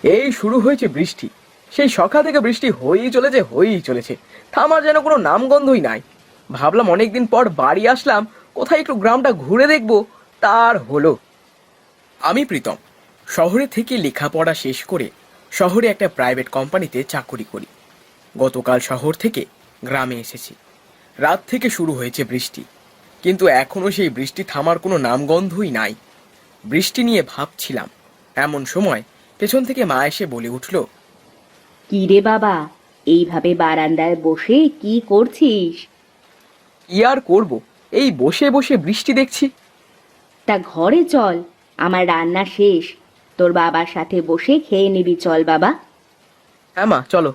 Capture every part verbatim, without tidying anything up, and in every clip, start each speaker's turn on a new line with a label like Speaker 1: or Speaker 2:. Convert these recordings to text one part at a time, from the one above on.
Speaker 1: এই শুরু হয়েছে বৃষ্টি। সেই সকাল থেকে বৃষ্টি হয়েই চলেছে হয়েই চলেছে থামার যেন কোনো নামগন্ধই নাই। ভাবলাম অনেকদিন পর বাড়ি আসলাম, কোথায় একটু গ্রামটা ঘুরে দেখবো, তার হলো। আমি প্রীতম, শহরে থেকে লেখাপড়া শেষ করে শহরে একটা প্রাইভেট কোম্পানিতে চাকরি করি। গতকাল শহর থেকে গ্রামে এসেছি। রাত থেকে শুরু হয়েছে বৃষ্টি, কিন্তু এখনও সেই বৃষ্টি থামার কোনো নামগন্ধই নাই। বৃষ্টি নিয়ে ভাবছিলাম, এমন সময় পেছন থেকে মা এসে বলে উঠল,
Speaker 2: কি রে বাবা, এইভাবে বারান্দায় বসে কি করছিস?
Speaker 1: কি আর করব, এই বসে বসে বৃষ্টি দেখছি।
Speaker 2: তা ঘরে চল, আমার রান্না শেষ, তোর বাবার সাথে বসে খেয়ে নিবি, চল বাবা।
Speaker 1: হ্যাঁ মা, চলো।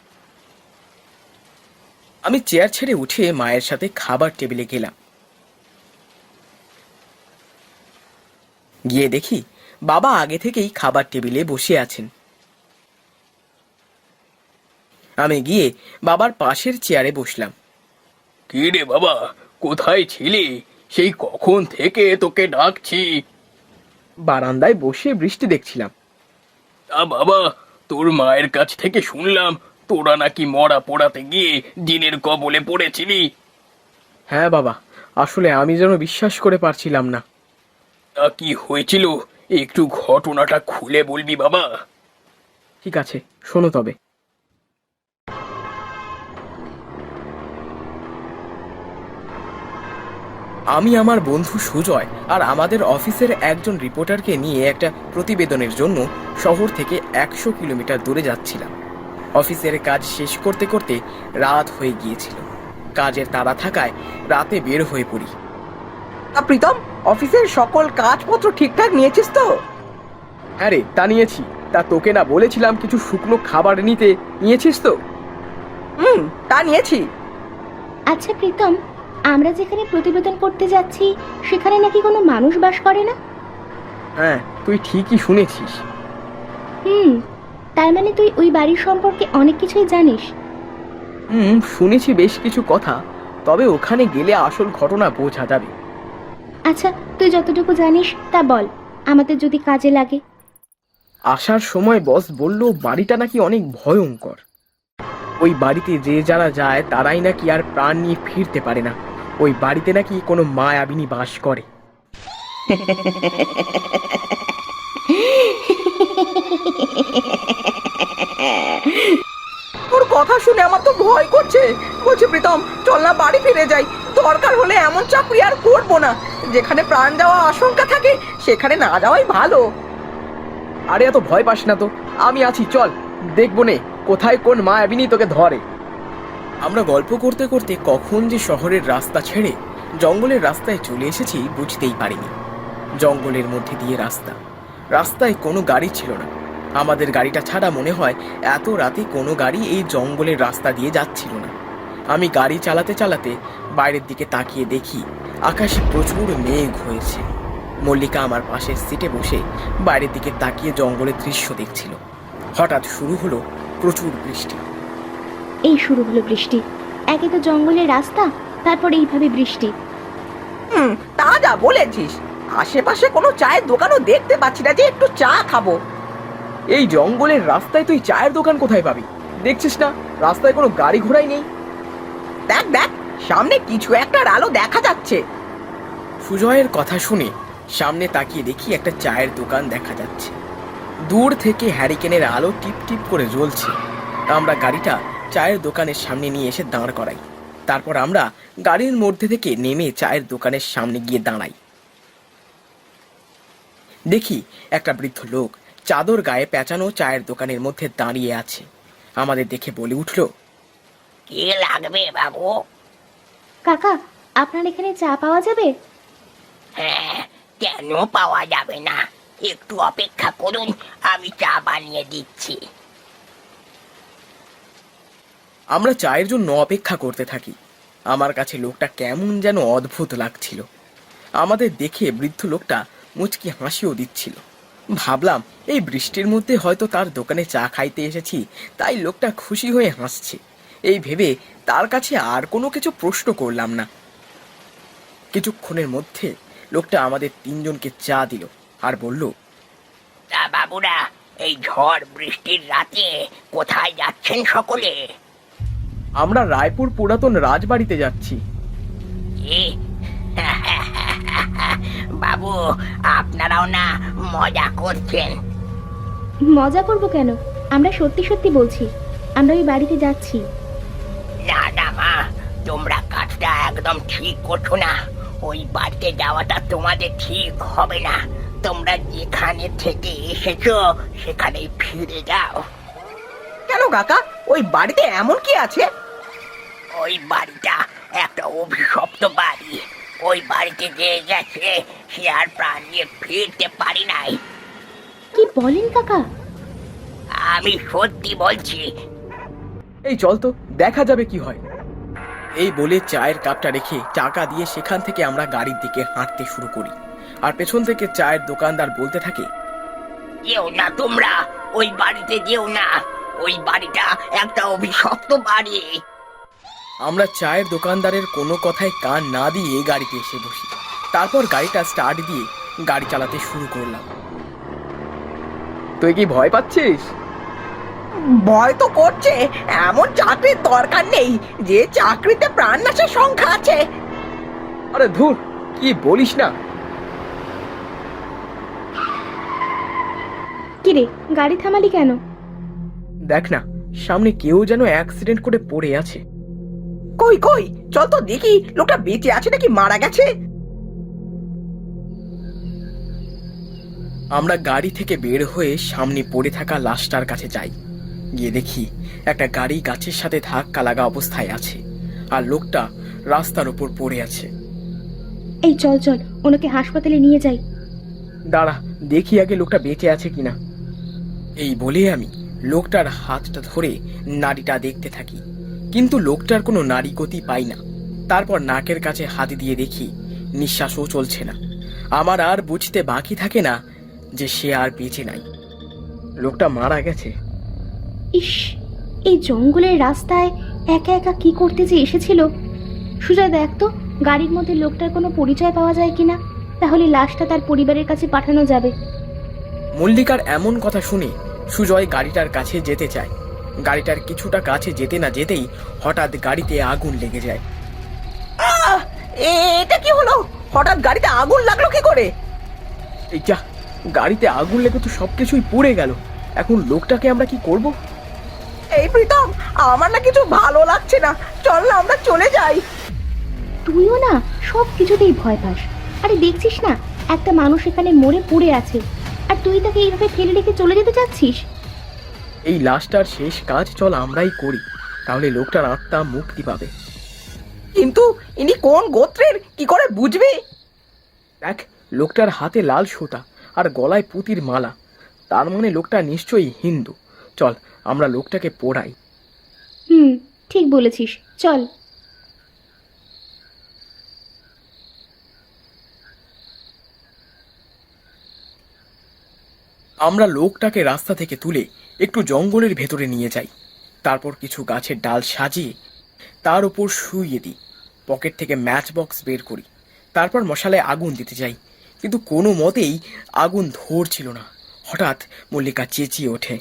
Speaker 1: আমি চেয়ার ছেড়ে উঠে মায়ের সাথে খাবার টেবিলে গেলাম। গিয়ে দেখি বাবা আগে থেকেই খাবার টেবিলে বসে আছেন। আমি গিয়ে বাবার পাশের চেয়ারে বসলাম। কি রে বাবা, কোথায় ছিলি? সেই কখন থেকে তোকে ডাকছি। বারান্দায় বসে বৃষ্টি দেখছিলাম। তা বাবা, তোর মায়ের কাছ থেকে শুনলাম তোরা নাকি মরা পোড়াতে গিয়ে জিনের কবলে পড়েছিলি। হ্যাঁ বাবা, আসলে আমি যেন বিশ্বাস করে পারছিলাম না। তা কি হয়েছিল, একটু ঘটনাটা খুলে বলবি বাবা? ঠিক আছে, শোনো তবে। আমি আমার বন্ধু সুজয় আর আমাদের অফিসের একজন রিপোর্টারকে নিয়ে একটা প্রতিবেদনের জন্য শহর থেকে একশো কিলোমিটার দূরে যাচ্ছিলাম। অফিসের কাজ শেষ করতে করতে রাত হয়ে গিয়েছিল। কাজের তাড়া থাকায় রাতে বের হয়ে পড়ি।
Speaker 3: প্রীতম, অফিসের সকল কাজপত্র ঠিকঠাক নিয়েছিস তো?
Speaker 1: হ্যাঁ রে, তা নিয়েছি। তা তোকে না বলেছিলাম কিছু শুকনো খাবার নিতে, নিয়েছিস তো?
Speaker 3: হুম, তা নিয়েছি।
Speaker 2: আচ্ছা প্রীতম, আমরা যেখানে প্রতিবেদন করতে যাচ্ছি সেখানে নাকি কোনো মানুষ বাস করে না?
Speaker 1: হ্যাঁ, তুই ঠিকই শুনেছিস।
Speaker 2: হুম, তার মানে তুই ওই বাড়ির সম্পর্কে অনেক কিছুই জানিস।
Speaker 1: হুম, শুনেছি বেশ কিছু কথা, তবে ওখানে গেলে আসল ঘটনা বোঝা যাবে।
Speaker 2: আচ্ছা, তুই যতটুকু জানিস তা বল, আমাদের যদি কাজে লাগে।
Speaker 1: আসার সময় বস বলল বাড়িটা নাকি অনেক ভয়ঙ্কর। ওই বাড়িতে যে যারা যায় তারাই নাকি আর প্রাণ নিয়ে ফিরতে পারে না। ওই বাড়িতে নাকি কোনো মায়াবিনী বাস করে।
Speaker 3: তোর কথা শুনে আমার তো ভয় করছে। বলছি প্রীতম, চল না বাড়ি ফিরে যাই। দরকার হলে এমন চাকরি আর করবো না। যেখানে প্রাণ যাওয়া আশঙ্কা থাকে সেখানে না যাওয়াই ভালো।
Speaker 1: আরে এত ভয় পাস না তো, আমি আছি, চল দেখবো নে কোথায় কোন মায়াবিনী তোকে ধরে। আমরা গল্প করতে করতে কখন যে শহরের রাস্তা ছেড়ে জঙ্গলের রাস্তায় চলে এসেছি বুঝতেই পারিনি। জঙ্গলের মধ্যে দিয়ে রাস্তা, রাস্তায় কোনো গাড়ি ছিল না। আমাদের গাড়িটা ছাড়া মনে হয় এত রাতে কোনো গাড়ি এই জঙ্গলের রাস্তা দিয়ে যাচ্ছিল না। আমি গাড়ি চালাতে চালাতে বাইরের দিকে তাকিয়ে দেখি আকাশে প্রচুর মেঘ হয়েছে। মল্লিকা আমার পাশের সিটে বসে বাইরের দিকে তাকিয়ে জঙ্গলের দৃশ্য দেখছিল। হঠাৎ শুরু হলো প্রচুর বৃষ্টি।
Speaker 2: এই শুরু হলো বৃষ্টি, একে তো জঙ্গলের রাস্তা, তারপর এইভাবে বৃষ্টি।
Speaker 3: হুম, তা যা বলেছিস। আশেপাশে কোনো চায়ের দোকানও দেখতে পাচ্ছি না যে একটু চা খাবো।
Speaker 1: এই জঙ্গলের রাস্তায় তুই চায়ের দোকান কোথায় পাবি? দেখছিস না রাস্তায় কোনো গাড়ি ঘোড়াই নেই।
Speaker 3: দেখ দেখ, সামনে কিছু একটার আলো দেখা যাচ্ছে।
Speaker 1: সুজয়ের কথা শুনে সামনে তাকিয়ে দেখি একটা চায়ের দোকান দেখা যাচ্ছে। দূর থেকে হ্যারিকেনের আলো টিপ টিপ করে জ্বলছে। আমরা গাড়িটা চায়ের দোকানের সামনে নিয়ে এসে দাঁড় করাই। তারপর আমরা গাড়ির মধ্যে থেকে নেমে চায়ের দোকানের সামনে গিয়ে দাঁড়াই। দেখি একটা বৃদ্ধ লোক চাদর গায়ে পেঁচানো চায়ের দোকানের মধ্যে দাঁড়িয়ে আছে। আমাদের দেখে বলে উঠল,
Speaker 4: কি লাগবে বাবু?
Speaker 2: কাকা, আপনার এখানে চা পাওয়া যাবে?
Speaker 4: হ্যাঁ, কেন পাওয়া যাবে না? একটু অপেক্ষা করুন, আমি চা বানিয়ে দিচ্ছি।
Speaker 1: আমরা চায়ের জন্য অপেক্ষা করতে থাকি। আমার কাছে লোকটা কেমন যেন অদ্ভুত লাগছিল। আমাদের দেখে বৃদ্ধ লোকটা মুচকি হাসিও দিচ্ছিল। ভাবলাম এই বৃষ্টির মধ্যে হয়তো তার দোকানে চা খাইতে এসেছি, তাই লোকটা খুশি হয়ে হাসছে। এই ভেবে তার কাছে আর কোনো কিছু প্রশ্ন করলাম না। কিছুক্ষণের মধ্যে লোকটা আমাদের তিনজনকে চা দিল আর বলল,
Speaker 4: তা বাবুরা, এই ঝড় বৃষ্টির রাতে কোথায় যাচ্ছেন সকলে?
Speaker 1: আমরা রায়পুর পুরাতন রাজবাড়িতে যাচ্ছি।
Speaker 4: কি? বাবু, আপনারাও না মজা করছেন?
Speaker 2: মজা করব কেন? আমরা সত্যি সত্যি বলছি, আমরা ওই বাড়িতে যাচ্ছি।
Speaker 4: না না মা, তোমরা কাজটা একদম ঠিক করছো না। ওই বাড়িতে যাওয়াটা তোমাদের ঠিক হবে না। তোমরা যেখানে থেকে এসেছো সেখানেই ফিরে যাও।
Speaker 3: কেন কাকা, ওই বাড়িতে এমন কি আছে?
Speaker 4: ওই বাড়িটা একটা অভিশপ্ত বাড়ি। ওই বাড়িতে যে গেছে সে আর প্রাণ নিয়ে ফিরতে পারি নাই।
Speaker 2: কি বলেন কাকা?
Speaker 4: আমি সত্যি বলছি।
Speaker 1: এই চল তো, দেখা যাবে কি হয়। এই বলে চায়ের কাপটা রেখে চাকা দিয়ে সেখান থেকে আমরা গাড়ির দিকে হাঁটতে শুরু করি। আর পেছন থেকে চায়ের দোকানদার বলতে থাকে,
Speaker 4: যেও না তোমরা, ওই বাড়িতে যেও না। ওই বাড়িটা একটা অভিশপ্ত বাড়ি।
Speaker 1: আমরা চায়ের দোকানদারের কোনো কথায় কান না দিয়ে গাড়িতে এসে বসি। তারপর গাড়িটা স্টার্ট দিয়ে গাড়ি চালাতে শুরু করলাম। তুই কি ভয় পাচ্ছিস?
Speaker 3: ভয় তো করছে। এমন চাকরির দরকার নেই যে চাকরিতে প্রাণনাশের সংখ্যা আছে।
Speaker 1: আরে ধুর, কি বলিস না।
Speaker 2: কিরে, গাড়ি থামালি কেন?
Speaker 1: দেখ না, সামনে কেউ যেন অ্যাক্সিডেন্ট করে পড়ে আছে।
Speaker 3: কই কই, চল তো দেখি লোকটা বেঁচে আছে নাকি মারা গেছে।
Speaker 1: আমরা গাড়ি থেকে বের হয়ে সামনে পড়ে থাকা লাশটার কাছে যাই। গিয়ে দেখি একটা গাড়ি গাছের সাথে ধাক্কা লাগা অবস্থায় আছে, আর লোকটা রাস্তার উপর পড়ে আছে।
Speaker 2: এই চল চল, ওনাকে হাসপাতালে নিয়ে যাই।
Speaker 1: দাঁড়া, দেখি আগে লোকটা বেঁচে আছে কিনা। এই বলে আমি লোকটার হাতটা ধরে নাড়িটা দেখতে থাকি, কিন্তু লোকটার কোনো নাড়ি গতি পাই না। তারপর নাকের কাছে হাত দিয়ে দেখি নিঃশ্বাসও চলছে না। আমার আর বুঝতে বাকি থাকে না যে সে আর বেঁচে নাই, লোকটা মারা গেছে।
Speaker 2: ইস, এই জঙ্গলের রাস্তায় একা একা কি করতে যে এসেছিল। সুজয়, দেখ তো গাড়ির মধ্যে লোকটার কোনো পরিচয় পাওয়া যায় কিনা, তাহলে লাশটা তার পরিবারের কাছে পাঠানো যাবে।
Speaker 1: মল্লিকার এমন কথা শুনে সুজয় গাড়িটার কাছে যেতে চায়। গাড়িটার কিছুটা কাছে যেতে না যেতেই হঠাৎ গাড়িতে আগুন লেগে যায়।
Speaker 3: আহ! এটা কি হলো? হঠাৎ গাড়িতে আগুন লাগলো কি করে?
Speaker 1: এই যা, গাড়িতে আগুন লেগে তো সবকিছুই পুড়ে গেল। এখন লোকটাকে আমরা কি করব?
Speaker 3: এই প্রীতম, আমার না কিছু ভালো লাগছে না। চল না আমরা চলে যাই।
Speaker 2: তুইও না সব কিছুতেই ভয় পাস। আরে দেখছিস না, একটা মানুষ এখানে মরে পড়ে আছে, আর তুই তাকে এইভাবে ফেলে রেখে চলে যেতে চাচ্ছিস?
Speaker 1: এই লাশটার শেষ কাজ চল আমরাই করি, তাহলে লোকটার আত্মা মুক্তি পাবে।
Speaker 3: কিন্তু ইনি কোন গোত্রের কি করে বুঝবি?
Speaker 1: দেখ, লোকটার হাতে লাল সুতা আর গলায় পুতির মালা, তার মানে লোকটা নিশ্চয়ই হিন্দু। চল আমরা লোকটাকে পোড়াই।
Speaker 2: হুম, ঠিক বলেছিস, চল।
Speaker 1: আমরা লোকটাকে রাস্তা থেকে তুলে একটু জঙ্গলের ভেতরে নিয়ে যাই। তারপর কিছু গাছের ডাল সাজিয়ে তার উপর শুইয়ে দিই। পকেট থেকে ম্যাচ বক্স বের করি। তারপর মশালায় আগুন দিতে যাই, কিন্তু কোনো মতেই আগুন ধরছিল না। হঠাৎ মল্লিকা চেঁচিয়ে ওঠে,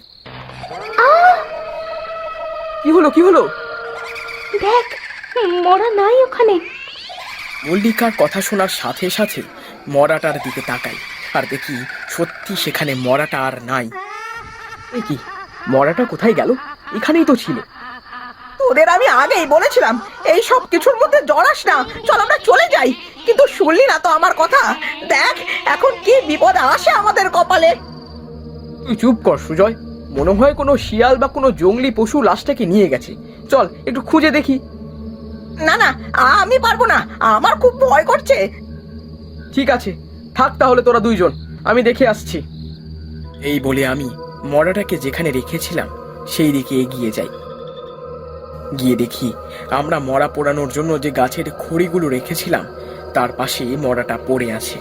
Speaker 1: কি হলো কি হলো?
Speaker 2: দেখ, মরা নাই ওখানে।
Speaker 1: মল্লিকার কথা শোনার সাথে সাথে মরাটার দিকে তাকাই, আর দেখি সত্যি সেখানে মরাটা আর নাই। এ কি, মরাটা কোথায় গেল? এখানেই তো ছিল।
Speaker 3: তোদের আমি আগেই বলেছিলাম এই সব কিছুর মধ্যে জড়াস না, চল আমরা চলে যাই। কিন্তু শুনলি না তো আমার কথা। দেখ এখন কি বিপদ আসে আমাদের কপালে।
Speaker 1: তুই চুপ কর সুজয়, মনে হয় কোনো শিয়াল বা কোনো জঙ্গলি পশু লাশটাকে নিয়ে গেছে। চল একটু খুঁজে দেখি।
Speaker 3: না না, আমি পারবো না, আমার খুব ভয় করছে।
Speaker 1: ঠিক আছে, থাক তাহলে তোরা দুইজন, আমি দেখে আসছি। এই বলে আমি মরাটাকে যেখানে রেখেছিলাম সেই দিকে এগিয়ে যাই। গিয়ে দেখি আমরা মরা পোড়ানোর জন্য যে গাছের খড়িগুলো রেখেছিলাম তার পাশে মরাটা পড়ে আছে।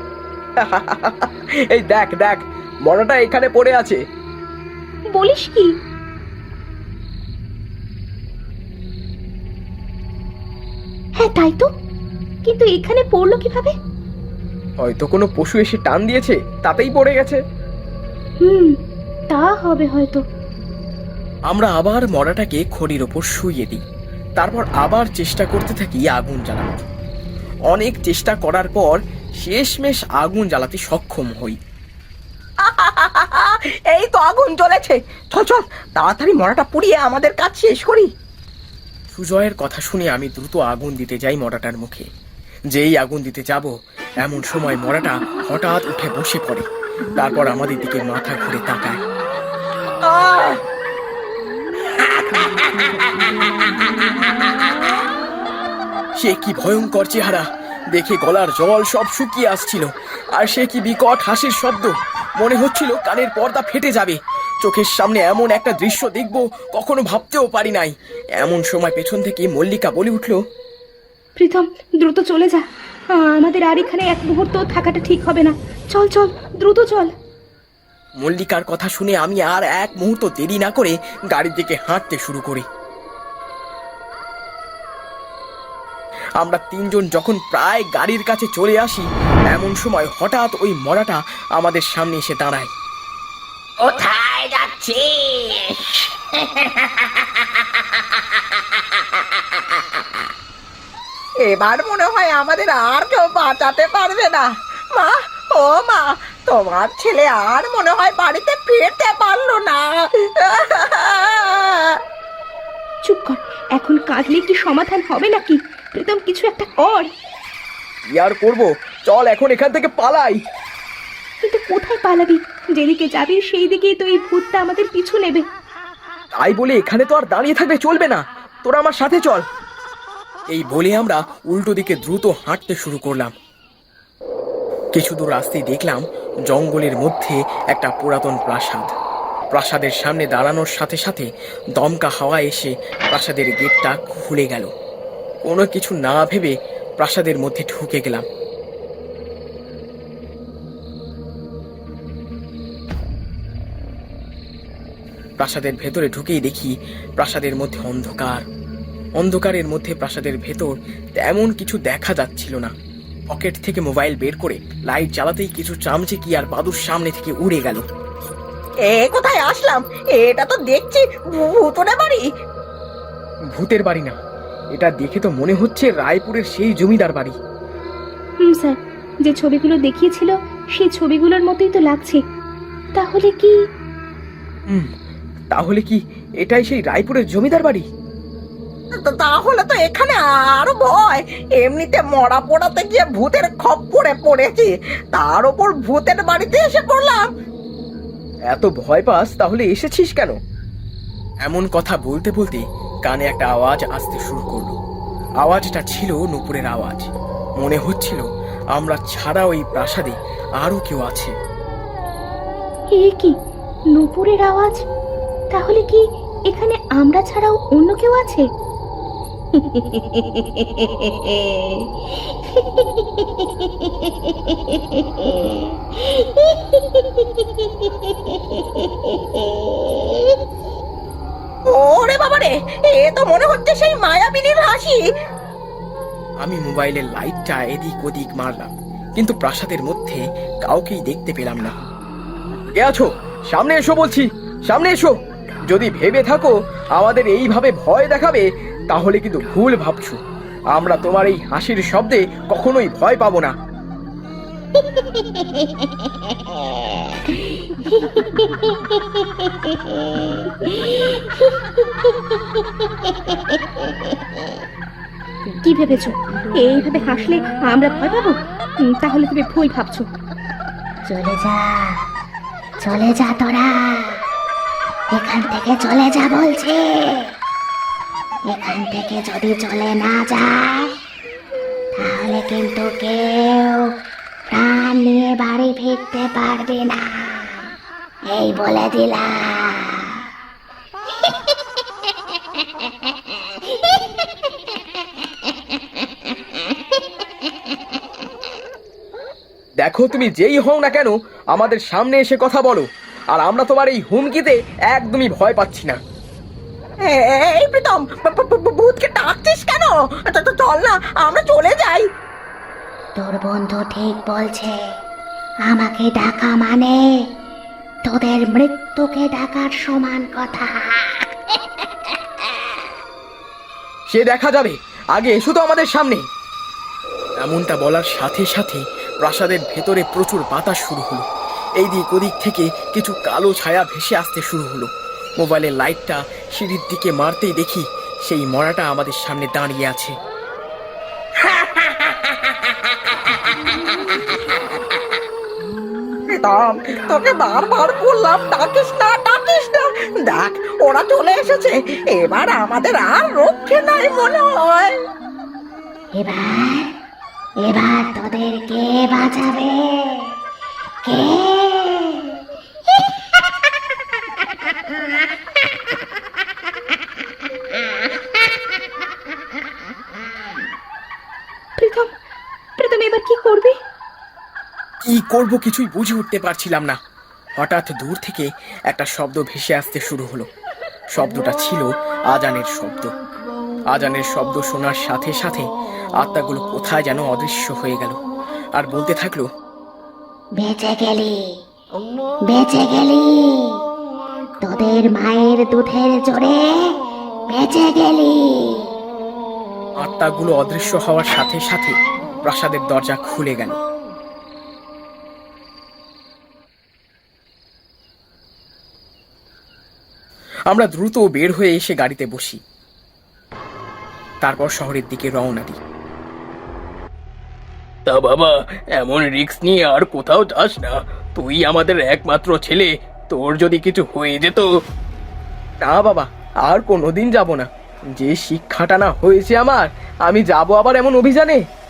Speaker 1: এই দেখ দেখ, মরাটা এখানে পড়ে আছে।
Speaker 2: বলিস কি? হ্যাঁ তাই তো, কিন্তু এখানে পড়লো কিভাবে?
Speaker 1: হয়তো কোনো পশু এসে টান দিয়েছে, তাতেই পড়ে গেছে।
Speaker 2: হুম, তা হবে হয়তো।
Speaker 1: আমরা আবার মরাটাকে খড়ির ওপর শুইয়ে দিই, তারপর আবার চেষ্টা করতে থাকি আগুন জ্বালানোর। অনেক চেষ্টা করার পর শেষমেশ আগুন জ্বালাতে সক্ষম হই।
Speaker 3: এই তো আগুন জ্বলেছে, চল চল তাড়াতাড়ি মরাটা পুড়িয়ে আমাদের কাজ শেষ করি।
Speaker 1: সুজয়ের কথা শুনে আমি দ্রুত আগুন দিতে যাই মরাটার মুখে। যেই আগুন দিতে যাব এমন সময় মরাটা হঠাৎ উঠে বসে পড়ে, তারপর আমাদের দিকে মাথা ঘুরে তাকায়।
Speaker 3: আহ!
Speaker 1: সে কি ভয়ঙ্কর চেহারা, দেখে গলার জল সব শুকিয়ে আসছিল, আর সে কি বিকট হাসির শব্দ, মনে হচ্ছিল কানের পর্দা ফেটে যাবে। চোখের সামনে এমন একটা দৃশ্য দেখব কখনো ভাবতেও পারি নাই। এমন সময় পেছন থেকে মল্লিকা বলে উঠল,
Speaker 2: প্রীতম, দ্রুত চলে যা, আমাদের আর এখানে এক মুহূর্ত থাকাটা ঠিক হবে না। চল চল, দ্রুত চল।
Speaker 1: মল্লিকার কথা শুনে আমি আর এক মুহূর্ত দেরি না করে গাড়ির দিকে হাঁটতে শুরু করি। আমরা তিনজন যখন প্রায় গাড়ির কাছে চলে আসি এমন সময় হঠাৎ ওই মরাটা আমাদের সামনে এসে দাঁড়ায়।
Speaker 4: কোথায় যাচ্ছিস?
Speaker 3: এবার মনে হয় আমাদের আর কেউ বাঁচাতে পারবে না। মা, ও মা, তোমার ছেলে আর মনে হয় বাড়িতে ফিরতে পারলো না।
Speaker 2: চুপ কর, এখন কাঁদলে কি সমাধান হবে নাকি? প্রীতম, কিছু একটা কর।
Speaker 1: কি আর করবো, চল এখন এখান থেকে পালাই।
Speaker 2: কিন্তু কোথায় পালাবি? যেদিকে যাবি সেই দিকেই তো এই ভূতটা আমাদের পিছু নেবে।
Speaker 1: তাই বলে এখানে তো আর দাঁড়িয়ে থাকলে চলবে না, তোরা আমার সাথে চল। এই বলে আমরা উল্টো দিকে দ্রুত হাঁটতে শুরু করলাম। কিছু দূর আসতেই দেখলাম জঙ্গলের মধ্যে একটা পুরাতন প্রাসাদ। প্রাসাদের সামনে দাঁড়ানোর সাথে সাথে দমকা হাওয়া এসে প্রাসাদের গেটটা খুলে গেল। কোনো কিছু না ভেবে প্রাসাদের মধ্যে ঢুকে গেলাম। প্রাসাদের ভেতরে ঢুকেই দেখি প্রাসাদের মধ্যে অন্ধকার। অন্ধকারের মধ্যে প্রাসাদের ভেতর তেমন কিছু দেখা যাচ্ছিল না। পকেট থেকে মোবাইল বের করে লাইট জ্বালাতেই কিছু চামচিকি আর বাদুর সামনে থেকে উড়ে গেল।
Speaker 3: এ কোথায় আসলাম? এটা তো দেখছি ভূতনে বাড়ি।
Speaker 1: ভূতের বাড়ি না, এটা দেখে তো মনে হচ্ছে রায়পুরের সেই জমিদার বাড়ি।
Speaker 2: হুম স্যার, যে ছবিগুলো দেখিয়েছিল সেই ছবিগুলোর মতোই তো লাগছে। তাহলে কি
Speaker 1: হুম, তাহলে কি এটাই সেই রায়পুরের জমিদার বাড়ি?
Speaker 3: তা- তাহলে তো এখানে আরো ভয়। এমনিতে মরা পোড়াতে গিয়ে ভূতের খপ্পরে পড়েছি, তার ওপর ভূতের বাড়িতে এসে পড়লাম।
Speaker 1: এত ভয় পাস তাহলে এসেছিস কেন? এমন কথা বলতে বলতে কানে একটা আওয়াজ আসতে শুরু করলো। আওয়াজটা ছিল নূপুরের আওয়াজ। মনে হচ্ছিল আমরা ছাড়া ওই প্রাসাদে আরো কেউ আছে।
Speaker 2: এ কি নূপুরের আওয়াজ? তাহলে কি এখানে আমরা ছাড়াও অন্য কেউ আছে?
Speaker 3: ওরে বাবারে, এ তো মনে হচ্ছে সেই মায়াবিনীর হাসি।
Speaker 1: আমি মোবাইলের লাইটটা এদিক ওদিক মারলাম, কিন্তু প্রাসাদের মধ্যে কাউকেই দেখতে পেলাম না। কে আছো? সামনে এসো বলছি, সামনে এসো। যদি ভেবে থাকো আমাদের এইভাবে ভয় দেখাবে তাহলে কিন্তু ভুল ভাবছো। আমরা তোমার এই হাসির শব্দে কখনোই ভয় পাবো না।
Speaker 2: কি ভেবেছো এইভাবে হাসলে আমরা ভয় পাবো? উম, তাহলে তুমি ভুল ভাবছো।
Speaker 5: চলে যা, চলে যা, তোরা এখান থেকে চলে যা বলছে। এখান থেকে যদি চলে না যায় তাহলে কিন্তু কেউ প্রাণ নিয়ে বাড়ি ফিরতে পারবে না, এই বলে দিলাম।
Speaker 1: দেখো, তুমি যেই হও না কেন আমাদের সামনে এসে কথা বলো, আর আমরা তোমার এই হুমকিতে একদমই ভয় পাচ্ছি না।
Speaker 3: এ- এই প্রীতম, ভ- ভ- ভ- ভূতকে ডাকছিস কেন? চ- চ- চল না, আমরা চলে যাই।
Speaker 5: তোর বন্ধু ঠিক বলছে, আমাকে ডাকা মানে তোদের মৃত্যুকে ডাকার সমান কথা।
Speaker 1: সে দেখা যাবে, আগে এসো তো আমাদের সামনে। এমনটা বলার সাথে সাথে প্রাসাদের ভেতরে প্রচুর বাতাস শুরু হলো। এই দিক ওদিক থেকে কিছু কালো ছায়া ভেসে আসতে শুরু হলো। মোবাইলের লাইটটা সিঁড়ির দিকে মারতেই দেখি সেই মরাটা আমাদের সামনে দাঁড়িয়ে আছে।
Speaker 3: প্রীতম, তোকে বারবার বললাম ডাকিস না ডাকিস না। দেখ ওরা চলে এসেছে, এবার আমাদের আর রক্ষে নাই মনে হয়।
Speaker 5: এবার এবার তোদের কে বাঁচাবে? কে?
Speaker 2: প্রীতম, প্রীতম এবার কি করবি?
Speaker 1: কি করব কিছুই বুঝে উঠতে পারছিলাম না। হঠাৎ দূর থেকে একটা শব্দ ভেসে আসতে শুরু হলো। শব্দটা ছিল আজানের শব্দ। আজানের শব্দ শোনার সাথে সাথে আত্মাগুলো কোথায় যেন অদৃশ্য হয়ে গেল, আর বলতে থাকলো,
Speaker 5: বেঁচে গেলি, বেঁচে গেলি, তোদের মায়ের দুধের জোরে বেঁচে গেলি।
Speaker 1: আত্মাগুলো অদৃশ্য হওয়ার সাথে সাথে প্রাসাদের দরজা খুলে গেল। আমরা দ্রুত বের হয়ে এসে গাড়িতে বসি, তারপর শহরের দিকে রওনা দিই। তা বাবা, এমন রিস্ক নিয়ে আর কোথাও যাস না। তুই আমাদের একমাত্র ছেলে, তোর যদি কিছু হয়ে যেত। না বাবা, আর কোনোদিন যাব না। যে শিক্ষাটা না হয়েছে আমার, আমি যাব আবার এমন অভিযানে?